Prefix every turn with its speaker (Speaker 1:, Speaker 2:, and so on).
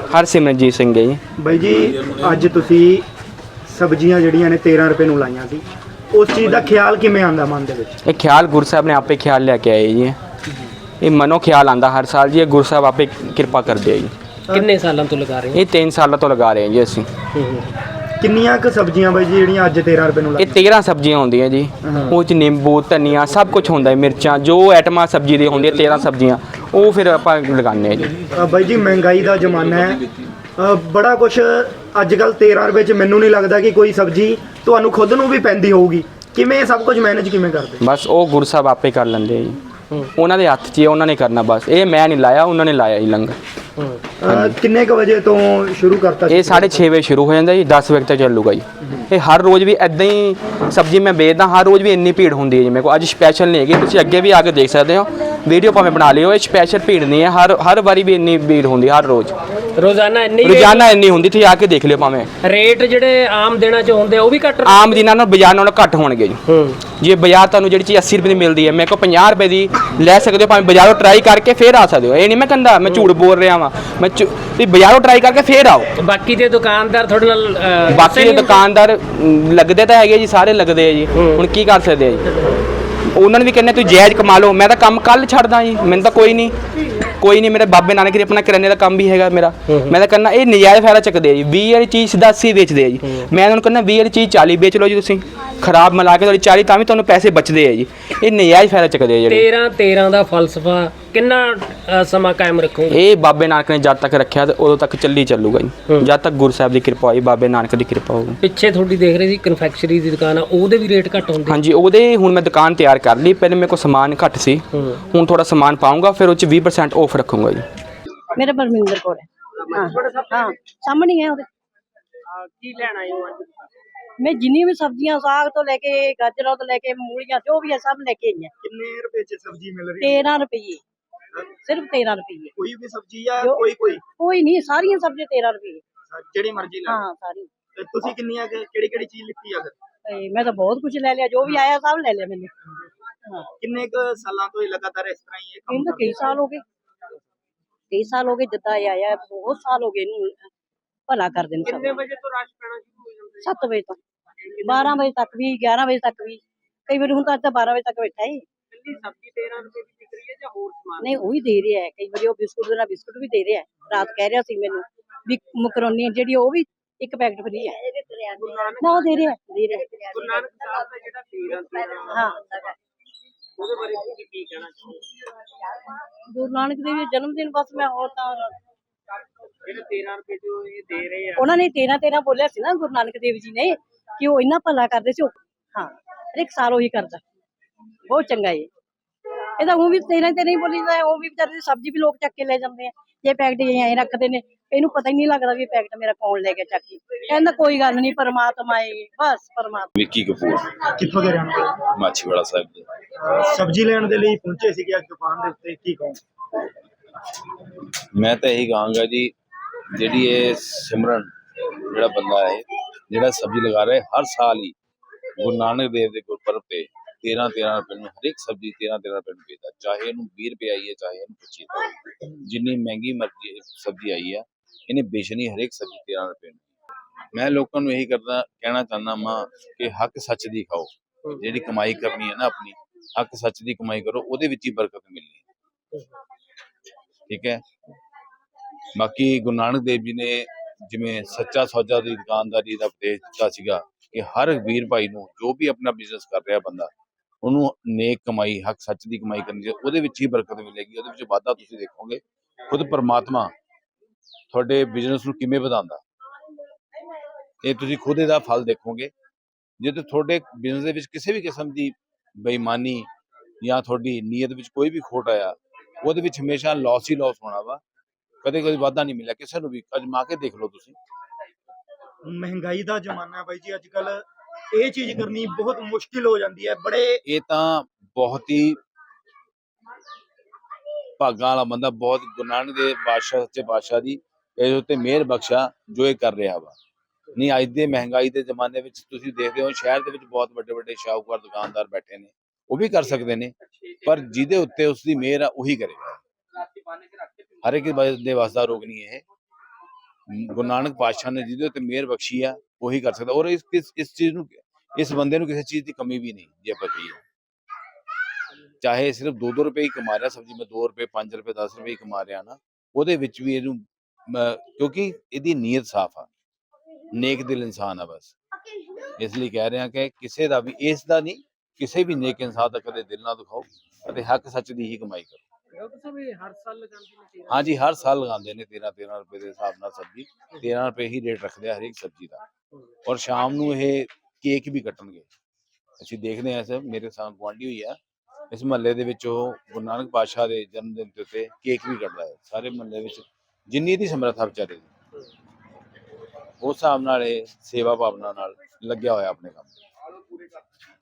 Speaker 1: ਹਰਸਿਮਰਨਜੀਤ ਸਿੰਘ ਹੈ ਜੀ।
Speaker 2: ਬਾਈ ਜੀ ਅੱਜ ਤੁਸੀਂ ਸਬਜ਼ੀਆਂ ਜਿਹੜੀਆਂ ਨੇ 13 ਰੁਪਏ ਨੂੰ ਲਾਈਆਂ ਸੀ, ਉਸ ਚੀਜ਼ ਦਾ ਖਿਆਲ ਕਿਵੇਂ ਆਉਂਦਾ ਮਨ ਦੇ ਵਿੱਚ?
Speaker 1: ਇਹ ਖਿਆਲ ਗੁਰੂ ਸਾਹਿਬ ਨੇ ਆਪੇ ਖਿਆਲ ਲੈ ਕੇ ਆਏ ਜੀ। ਇਹ ਮਨੋਂ ਖਿਆਲ ਆਉਂਦਾ ਹਰ ਸਾਲ ਜੀ, ਇਹ ਗੁਰੂ ਸਾਹਿਬ ਆਪੇ ਕਿਰਪਾ ਕਰਦੇ ਆ ਜੀ।
Speaker 3: ਕਿੰਨੇ ਸਾਲਾਂ ਤੋਂ ਲਗਾ ਰਹੇ ਹੋ?
Speaker 1: ਇਹ 3 ਸਾਲਾਂ ਤੋਂ ਲਗਾ ਰਹੇ ਹਾਂ ਜੀ ਅਸੀਂ।
Speaker 2: ਕਿੰਨੀਆਂ ਕੁ ਸਬਜ਼ੀਆਂ ਬਾਈ ਜੀ ਜਿਹੜੀਆਂ ਅੱਜ 13 ਰੁਪਏ ਨੂੰ
Speaker 1: ਇਹ
Speaker 2: ਲਾਈਆਂ?
Speaker 1: 13 ਸਬਜ਼ੀਆਂ ਹੁੰਦੀਆਂ ਜੀ। ਉਹ 'ਚ ਨਿੰਬੂ, ਧਨੀਆ ਸਭ ਕੁਝ ਹੁੰਦਾ ਹੈ, ਮਿਰਚਾਂ, ਜੋ ਆਈਟਮਾਂ ਸਬਜ਼ੀ ਦੀ ਹੁੰਦੀਆਂ 13 ਸਬਜ਼ੀਆਂ, ਉਹ ਫਿਰ ਆਪਾਂ ਲਗਾਉਂਦੇ ਹਾਂ ਜੀ।
Speaker 2: ਬਾਈ ਜੀ ਮਹਿੰਗਾਈ ਦਾ ਜ਼ਮਾਨਾ ਹੈ, ਬੜਾ ਕੁਝ ਅੱਜ ਕੱਲ੍ਹ 13 ਰੁਪਏ 'ਚ ਮੈਨੂੰ ਨਹੀਂ ਲੱਗਦਾ ਕਿ ਕੋਈ ਸਬਜ਼ੀ ਤੁਹਾਨੂੰ ਖੁਦ ਨੂੰ ਵੀ ਪੈਂਦੀ ਹੋਊਗੀ। ਕਿਵੇਂ ਸਭ ਕੁਝ ਮੈਨੇਜ ਕਿਵੇਂ ਕਰਦੇ?
Speaker 1: ਬਸ ਉਹ ਗੁਰੂ ਸਾਹਿਬ ਆਪੇ ਕਰ ਲੈਂਦੇ ਆ ਜੀ, ਉਹਨਾਂ ਦੇ ਹੱਥ 'ਚ ਹੀ ਉਹਨਾਂ ਨੇ ਕਰਨਾ। ਬਸ ਇਹ ਮੈਂ ਨਹੀਂ ਲਾਇਆ, ਉਹਨਾਂ ਨੇ ਲਾਇਆ ਜੀ ਲੰਗਰ।
Speaker 2: ਕਿੰਨੇ ਕੁ ਵਜੇ ਤੋਂ ਸ਼ੁਰੂ ਕਰਤਾ?
Speaker 1: ਇਹ 6:30 ਵਜੇ ਸ਼ੁਰੂ ਹੋ ਜਾਂਦਾ ਜੀ, 10 ਵਜੇ ਤੱਕ ਚੱਲੂਗਾ ਜੀ। ਇਹ ਹਰ ਰੋਜ਼ ਵੀ ਇੱਦਾਂ ਹੀ ਸਬਜ਼ੀ ਮੈਂ ਵੇਚਦਾ, ਹਰ ਰੋਜ਼ ਵੀ ਇੰਨੀ ਭੀੜ ਹੁੰਦੀ ਹੈ ਜੀ ਮੇਰੇ ਕੋਲ। ਅੱਜ ਸਪੈਸ਼ਲ ਨਹੀਂ ਹੈਗੀ, ਤੁਸੀਂ ਅੱਗੇ ਵੀ ਆ ਕੇ ਦੇਖ ਸਕਦੇ ਹੋ, ਵੀਡੀਓ ਭਾਵੇਂ ਬਣਾ ਲਿਓ। ਇਹ ਸਪੈਸ਼ਲ ਭੀੜ ਨਹੀਂ ਹੈ, ਹਰ ਵਾਰੀ ਵੀ ਇੰਨੀ ਭੀੜ ਹੁੰਦੀ, ਹਰ ਰੋਜ਼
Speaker 3: ਰੋਜ਼ਾਨਾ
Speaker 1: ਇੰਨੀ ਹੁੰਦੀ। ਤੁਸੀਂ ਆ ਕੇ ਦੇਖ ਲਿਓ, ਭਾਵੇਂ
Speaker 3: ਰੇਟ ਜਿਹੜੇ ਆਮ ਦਿਨਾਂ 'ਚ ਹੁੰਦੇ ਉਹ ਵੀ ਘੱਟ,
Speaker 1: ਆਮ ਦਿਨਾਂ ਨਾਲ ਬਾਜ਼ਾਰ ਨਾਲੋਂ ਘੱਟ ਹੋਣਗੇ ਜੀ। ਜੇ ਬਾਜ਼ਾਰ ਤੁਹਾਨੂੰ ਜਿਹੜੀ ਚੀਜ਼ 80 ਰੁਪਏ ਦੀ ਮਿਲਦੀ ਹੈ, ਮੇਰੇ ਕੋਲ 50 ਰੁਪਏ ਦੀ ਲੈ ਸਕਦੇ ਹੋ, ਭਾਵੇਂ ਬਾਜ਼ਾਰੋਂ ਟਰਾਈ ਕਰਕੇ ਫੇਰ ਆ ਸਕਦੇ ਹੋ। ਇਹ ਨਹੀਂ ਮੈਂ ਕਹਿੰਦਾ ਮੈਂ ਝੂਠ ਬੋਲ ਰਿਹਾ ਵਾਂ, ਤੁਸੀਂ ਬਾਜ਼ਾਰੋਂ ਟਰਾਈ ਕਰਕੇ ਫੇਰ ਆਓ।
Speaker 3: ਬਾਕੀ ਦੇ ਦੁਕਾਨਦਾਰ ਤੁਹਾਡੇ ਨਾਲ
Speaker 1: ਬਾਕੀ ਦੇ ਦੁਕਾਨਦਾਰ ਲੱਗਦੇ ਤਾਂ ਹੈਗੇ ਜੀ, ਸਾਰੇ ਲੱਗਦੇ ਆ ਜੀ। ਹੁਣ ਕੀ ਕਰ ਸਕਦੇ ਆ ਜੀ, ਉਹਨਾਂ ਨੂੰ ਵੀ ਕਹਿੰਦੇ ਤੁਸੀਂ ਜਾਇਜ਼ ਕਮਾ ਲਓ। ਮੈਂ ਤਾਂ ਕੰਮ ਕੱਲ ਛੱਡਦਾ ਜੀ, ਮੈਨੂੰ ਤਾਂ ਕੋਈ ਨਹੀਂ। ਮੇਰੇ ਬਾਬੇ ਨਾਨਕ ਦੀ ਆਪਣਾ ਕਿਰਾਨੇ ਦਾ ਕੰਮ ਵੀ ਹੈਗਾ ਮੇਰਾ। ਮੈਂ ਤਾਂ ਕਹਿੰਦਾ ਇਹ ਨਜਾਇਜ਼ ਫਾਇਦਾ ਚੱਕਦੇ ਆ ਜੀ। 20 ਵਾਲੀ ਚੀਜ਼ ਸਿੱਧਾ 80 ਵੇਚਦੇ ਆ ਜੀ। ਮੈਂ ਉਹਨਾਂ ਨੂੰ ਕਹਿੰਦਾ 20 ਵਾਲੀ ਚੀਜ਼ 40 ਵੇਚ ਲਓ ਜੀ, ਤੁਸੀਂ ਖਰਾਬ ਮਿਲਾ ਕੇ ਤੁਹਾਡੀ 40, ਤਾਂ ਵੀ ਤੁਹਾਨੂੰ ਪੈਸੇ ਬਚਦੇ ਆ ਜੀ। ਇਹ ਨਜਾਇਜ਼ ਫਾਇਦਾ ਚੱਕਦੇ ਆ ਜਿਹੜੇ।
Speaker 3: 13 ਦਾ ਫਲਸਫਾ ਕਿੰਨਾ ਸਮਾਂ ਕਾਇਮ ਰੱਖੋਗੇ?
Speaker 1: ਇਹ ਬਾਬੇ ਨਾਨਕ ਨੇ ਜਦ ਤੱਕ ਰੱਖਿਆ ਤੇ ਉਦੋਂ ਤੱਕ ਚੱਲੂਗਾ ਜੀ, ਜਦ ਤੱਕ ਗੁਰੂ ਸਾਹਿਬ ਦੀ ਕਿਰਪਾ ਹੋਈ, ਬਾਬੇ ਨਾਨਕ ਦੀ ਕਿਰਪਾ ਹੋਊਗੀ।
Speaker 3: ਪਿੱਛੇ ਤੁਹਾਡੀ ਦੇਖ ਰਹੇ ਸੀ ਕਨਫੈਕਸ਼ਨਰੀ ਦੀ ਦੁਕਾਨ ਆ, ਉਹਦੇ ਵੀ ਰੇਟ ਘੱਟ ਹੁੰਦੇ?
Speaker 1: ਹਾਂਜੀ, ਉਹਦੇ ਹੁਣ ਮੈਂ ਦੁਕਾਨ ਤਿਆਰ ਕਰ ਲਈ। ਪਹਿਲੇ ਮੇਰੇ ਕੋਲ ਸਮਾਨ ਘੱਟ ਸੀ, ਹੁਣ ਥੋੜਾ ਸਮਾਨ ਪਾਉਂਗਾ, ਫਿਰ ਉਹ 'ਚ 20% ਆਫ ਰੱਖੂੰਗਾ ਜੀ।
Speaker 4: मेरा परमिंदर कौर है। हाँ सामने है ਉਹਦੇ।
Speaker 3: ਕੀ ਲੈਣਾ ਹੈ ਅੱਜ?
Speaker 4: मैं जिन्नी भी सब्जियां साग तो लेके गाजरों तो लेके मूलियां जो भी है सब लेके आई है।
Speaker 2: ਕਿੰਨੇ ਰੁਪਏ 'ਚ ਸਬਜ਼ੀ ਮਿਲ ਰਹੀ ਹੈ?
Speaker 4: 13 रुपये, सिर्फ 13 रुपये।
Speaker 2: ਕੋਈ ਵੀ ਸਬਜ਼ੀ ਆ? ਕੋਈ
Speaker 4: नहीं सारियां सब्जियां 13 रुपये।
Speaker 2: ਜਿਹੜੀ ਮਰਜ਼ੀ ਲਾ।
Speaker 4: हाँ सारी।
Speaker 2: ਤੇ ਤੁਸੀਂ ਕਿੰਨੀਆਂ ਕਿਹੜੀ ਚੀਜ਼ ਲਿੱਤੀ ਆ ਫਿਰ?
Speaker 4: मैं तो बहुत कुछ ले लिया, जो भी आया सब ले लिया मैंने। हाँ
Speaker 2: ਕਿੰਨੇ ਕੁ ਸਾਲਾਂ ਤੋਂ ਇਹ ਲਗਾਤਾਰ ਇਸ ਤਰ੍ਹਾਂ ਹੀ ਇਹ ਕੰਮ
Speaker 4: इन तो कई साल हो गए, जिद्दां ये आया बहुत साल हो गए इनू भला कर देन।
Speaker 3: ਕਿੰਨੇ ਵਜੇ ਤੋਂ ਰਸ਼ ਪੈਣਾ ਸ਼ੁਰੂ ਹੋ ਜਾਂਦਾ?
Speaker 4: 7 बजे तक, 12 बजे तक भी, 11 बजे तक भी, कई बार हूं तो 12 बजे तक बैठा है।
Speaker 3: ਕਿੰਨੀ ਸਬਜ਼ੀ 13 ਰੁਪਏ ਦੀ ਵਿਕ ਰਹੀ ਹੈ ਜਾਂ ਹੋਰ ਸਮਾਨ?
Speaker 4: नहीं वही दे रहे हैं, कई बार वो बिस्कुट देना बिस्कुट भी दे रहे हैं। रात कह रहा सी मैनू भी मकरोनी ਜਿਹੜੀ ਉਹ ਵੀ ਇੱਕ ਪੈਕਟ ਫਰੀ ਹੈ ਨਾ, ਉਹ ਦੇ ਰਹੇ ਹੈ।
Speaker 3: ਗੁਰੂ ਨਾਨਕ ਸਾਹਿਬ ਦਾ ਜਿਹੜਾ 13
Speaker 4: ਹਾਂ,
Speaker 3: ਉਹਦੇ ਬਾਰੇ ਤੁਸੀਂ ਕੀ ਕਹਿਣਾ ਚਾਹੋਗੇ?
Speaker 4: ਗੁਰੂ ਨਾਨਕ ਦੇਵ ਜੀ ਜਨਮ ਦਿਨ ਬਸ ਮੈਂ ਹੋਰ ਤਾਂ
Speaker 3: ਜਿਹੜੇ 13 ਰੁਪਏ ਜੋ ਇਹ ਦੇ ਰਹੇ ਆ,
Speaker 4: ਉਹਨਾਂ ਨੇ 13 ਬੋਲਿਆ ਸੀ ਨਾ ਗੁਰੂ ਨਾਨਕ ਦੇਵ ਜੀ ਨੇ ਕਿ ਉਹ ਇੰਨਾ ਭਲਾ ਕਰਦੇ ਸੀ। ਹਾਂ ਹਰ ਇੱਕ ਸਾਲ ਉਹੀ ਕਰਦਾ, ਬਹੁਤ ਚੰਗਾ ਹੈ। ਇਹਦਾ ਉਹ ਵੀ 13 ਹੀ ਬੋਲੀਦਾ, ਉਹ ਵੀ ਵਿਚਾਰੇ ਦੀ ਸਬਜ਼ੀ ਵੀ ਲੋਕ ਚੱਕ ਕੇ ਲੈ ਜਾਂਦੇ ਆ। ਇਹ ਪੈਕਟ ਐਂ ਰੱਖਦੇ ਨੇ, ਇਹਨੂੰ ਪਤਾ ਹੀ ਨਹੀਂ ਲੱਗਦਾ ਵੀ ਇਹ ਪੈਕਟ ਮੇਰਾ ਕੌਣ ਲੈ ਕੇ ਚੱਕੀ। ਕਹਿੰਦਾ ਕੋਈ ਗੱਲ ਨਹੀਂ, ਪਰਮਾਤਮਾ ਹੈ, ਬਸ ਪਰਮਾਤਮਾ।
Speaker 5: ਵਿੱਕੀ ਕਪੂਰ,
Speaker 2: ਕਿੱਥੋਂ ਦੇ ਰਹਿਣ ਵਾਲੇ?
Speaker 5: ਮਾਛੀਵਾੜਾ ਸਾਹਿਬ ਦੇ।
Speaker 2: ਸਬਜ਼ੀ ਲੈਣ ਦੇ ਲਈ ਪਹੁੰਚੇ ਸੀਗੇ ਅੱਜ ਦੁਕਾਨ ਦੇ ਉੱਤੇ, ਕੀ ਕਹੋ?
Speaker 5: ਮੈਂ ਤਾਂ ਇਹੀ ਕਹਾਂਗਾ ਜੀ, ਜਿਹੜੀ ਇਹ ਸਿਮਰਨ ਜਿਹੜਾ ਬੰਦਾ ਹੈ, ਜਿਹੜਾ ਸਬਜ਼ੀ ਲਗਾ ਰਿਹਾ ਹਰ ਸਾਲ ਹੀ ਗੁਰੂ ਨਾਨਕ ਦੇਵ ਦੇ ਗੁਰਪੁਰਬ ਤੇ 13 ਰੁਪਏ ਨੂੰ ਹਰ ਇੱਕ ਸਬਜ਼ੀ 13 ਰੁਪਏ ਨੂੰ ਵੇਚਦਾ। ਚਾਹੇ ਇਹਨੂੰ 20 ਰੁਪਏ ਆਈ ਹੈ, ਚਾਹੇ ਇਹਨੂੰ 25 ਰੁਪਏ। ਜਿੰਨੀ ਮਹਿੰਗੀ ਮਰਜ਼ੀ ਸਬਜ਼ੀ ਆਈ ਹੈ, ਇਹਨੇ ਵੇਚਣੀ ਹਰ ਇੱਕ ਸਬਜ਼ੀ 13 ਰੁਪਏ ਨੂੰ। ਮੈਂ ਲੋਕਾਂ ਨੂੰ ਇਹੀ ਕਹਿਣਾ ਚਾਹੁੰਦਾ ਮਾਂ ਕਿ ਹੱਕ ਸੱਚ ਦੀ ਖਾਓ। ਜਿਹੜੀ ਕਮਾਈ ਕਰਨੀ ਹੈ ਨਾ ਆਪਣੀ, ਹੱਕ ਸੱਚ ਦੀ ਕਮਾਈ ਕਰੋ, ਉਹਦੇ ਵਿੱਚ ਹੀ ਬਰਕਤ ਮਿਲਣੀ ਹੈ। ਠੀਕ ਹੈ। ਬਾਕੀ ਗੁਰੂ ਨਾਨਕ ਦੇਵ ਜੀ ਨੇ ਜਿਵੇਂ ਸੱਚਾ ਸੌਦਾ ਦੀ ਦੁਕਾਨਦਾਰੀ ਦਾ ਉਪਦੇਸ਼ ਦਿੱਤਾ ਸੀਗਾ ਕਿ ਹਰ ਵੀਰ ਭਾਈ ਨੂੰ, ਜੋ ਵੀ ਆਪਣਾ ਬਿਜ਼ਨਸ ਕਰ ਰਿਹਾ ਬੰਦਾ, ਉਹਨੂੰ ਨੇਕ ਕਮਾਈ, ਹੱਕ ਸੱਚ ਦੀ ਕਮਾਈ ਕਰਨੀ ਚਾਹੀਦੀ। ਉਹਦੇ ਵਿੱਚ ਹੀ ਬਰਕਤ ਮਿਲੇਗੀ, ਉਹਦੇ ਵਿੱਚ ਵਾਧਾ ਤੁਸੀਂ ਦੇਖੋਗੇ। ਖੁਦ ਪਰਮਾਤਮਾ ਤੁਹਾਡੇ ਬਿਜ਼ਨਸ ਨੂੰ ਕਿਵੇਂ ਵਧਾਉਂਦਾ, ਇਹ ਤੁਸੀਂ ਖੁਦ ਇਹਦਾ ਫਲ ਦੇਖੋਗੇ। ਜੇ ਤੁਹਾਡੇ ਬਿਜ਼ਨਸ ਦੇ ਵਿੱਚ ਕਿਸੇ ਵੀ ਕਿਸਮ ਦੀ ਬੇਈਮਾਨੀ ਜਾਂ ਤੁਹਾਡੀ ਨੀਅਤ ਵਿੱਚ ਕੋਈ ਵੀ ਖੋਟ ਆਇਆ, ਉਹਦੇ ਵਿੱਚ ਹਮੇਸ਼ਾ ਲਾਸ ਹੀ ਲਾਸ ਹੋਣਾ ਵਾ, ਕਦੇ ਵਾਧਾ ਨਹੀਂ ਮਿਲਿਆ ਕਿਸੇ ਨੂੰ ਵੀ। ਅਜਮਾ ਕੇ ਦੇਖ ਲਓ ਤੁਸੀਂ।
Speaker 2: ਮਹਿੰਗਾਈ ਦਾ ਜ਼ਮਾਨਾ ਹੈ ਬਾਈ ਜੀ, ਅੱਜ ਕੱਲ ਇਹ ਚੀਜ਼ ਕਰਨੀ ਬਹੁਤ ਮੁਸ਼ਕਿਲ ਹੋ ਜਾਂਦੀ ਹੈ।
Speaker 5: ਇਹ ਤਾਂ ਬਹੁਤ ਹੀ ਭਾਗਾਂ ਵਾਲਾ ਬੰਦਾ, ਬਹੁਤ ਗੁਰੂ ਨਾਨਕ ਦੇ ਬਾਦਸ਼ਾਹ, ਸੱਚੇ ਬਾਦਸ਼ਾਹ ਦੀ ਇਹਦੇ ਉੱਤੇ ਮਿਹਰ ਬਖਸ਼ਾ ਜੋ ਇਹ ਕਰ ਰਿਹਾ ਵਾ। ਨਹੀਂ ਅੱਜ ਦੇ ਮਹਿੰਗਾਈ ਦੇ ਜ਼ਮਾਨੇ ਵਿੱਚ ਤੁਸੀਂ ਦੇਖਦੇ ਹੋ ਸ਼ਹਿਰ ਦੇ ਵਿੱਚ ਬਹੁਤ ਵੱਡੇ ਸ਼ਾਹੂਕਾਰ ਦੁਕਾਨਦਾਰ ਬੈਠੇ ਨੇ, ਉਹ ਵੀ ਕਰ ਸਕਦੇ ਨੇ, ਪਰ ਜਿਹਦੇ ਉੱਤੇ ਉਸ ਦੀ ਮਿਹਰ ਆ ਉਹੀ ਕਰੇਗਾ। ਹਰ ਇੱਕ ਦੇ ਵੱਸ ਦਾ ਰੋਗ ਨਹੀਂ ਇਹ। ਗੁਰੂ ਨਾਨਕ ਪਾਤਸ਼ਾਹ ਨੇ ਜਿਹਦੇ ਉੱਤੇ ਮਿਹਰ ਬਖਸ਼ੀ ਆ ਉਹੀ ਕਰ ਸਕਦਾ। ਔਰ ਇਸ ਚੀਜ਼ ਨੂੰ, ਇਸ ਬੰਦੇ ਨੂੰ ਕਿਸੇ ਚੀਜ਼ ਦੀ ਕਮੀ ਵੀ ਨਹੀਂ ਜੇ ਆਪਾਂ ਕਹੀਏ। ਚਾਹੇ ਸਿਰਫ 2-2 ਰੁਪਏ ਹੀ ਕਮਾ ਰਿਹਾ, ਸਬਜ਼ੀ ਮੈਂ 2 ਰੁਪਏ 5 ਰੁਪਏ 10 ਰੁਪਏ ਹੀ ਕਮਾ ਰਿਹਾ ਨਾ, ਉਹਦੇ ਵਿੱਚ ਵੀ ਇਹਨੂੰ ਕਿਉਂਕਿ ਇਹਦੀ ਨੀਅਤ ਸਾਫ਼ ਆ, ਨੇਕ ਦਿਲ ਇਨਸਾਨ ਆ ਬਸ। ਇਸ ਲਈ ਕਹਿ ਰਿਹਾ ਕਿ ਕਿਸੇ ਦਾ ਵੀ ਇਸ ਦਾ ਨਹੀਂ, ਕਿਸੇ ਵੀ ਨੇਕ ਇਨਸਾਨ ਦਾ ਕਦੇ ਦਿਲ ਨਾ ਦੁਖਾਓ ਅਤੇ ਹੱਕ ਸੱਚ ਦੀ ਹੀ ਕਮਾਈ ਕਰੋ।
Speaker 3: ਡਾਕਟਰ ਸਾਹਿਬ ਇਹ ਹਰ ਸਾਲ ਲਗਾਉਂਦੇ ਨੇ 13
Speaker 5: ਹਾਂਜੀ, ਹਰ ਸਾਲ ਲਗਾਉਂਦੇ ਨੇ 13-13 ਰੁਪਏ ਦੇ ਹਿਸਾਬ ਨਾਲ ਸਬਜ਼ੀ। 13 ਰੁਪਏ ਹੀ ਰੇਟ ਰੱਖਦੇ ਆ ਹਰੇਕ ਸਬਜ਼ੀ ਦਾ। ਔਰ ਸ਼ਾਮ ਨੂੰ ਇਹ ਕੇਕ ਵੀ ਕੱਟਣਗੇ। ਅਸੀਂ ਦੇਖਦੇ ਹਾਂ, ਸਰ ਮੇਰੇ ਸਾਹ ਗੁਆਂਢੀ ਹੋਈ ਆ ਇਸ ਮਹੱਲੇ ਦੇ ਵਿੱਚ, ਉਹ ਗੁਰੂ ਨਾਨਕ ਪਾਤਸ਼ਾਹ ਦੇ ਜਨਮ ਦਿਨ ਦੇ ਉੱਤੇ ਕੇਕ ਵੀ ਕੱਟਦਾ ਹੈ। ਸਾਰੇ ਮਹੱਲੇ ਵਿੱਚ ਜਿੰਨੀ ਦੀ ਸਮਰੱਥਾ ਵਿਚਾਰੇ ਦੀ, ਉਸ ਹਿਸਾਬ ਨਾਲ ਇਹ ਸੇਵਾ ਭਾਵਨਾ ਨਾਲ ਲੱਗਿਆ ਹੋਇਆ ਆਪਣੇ ਕੰਮ।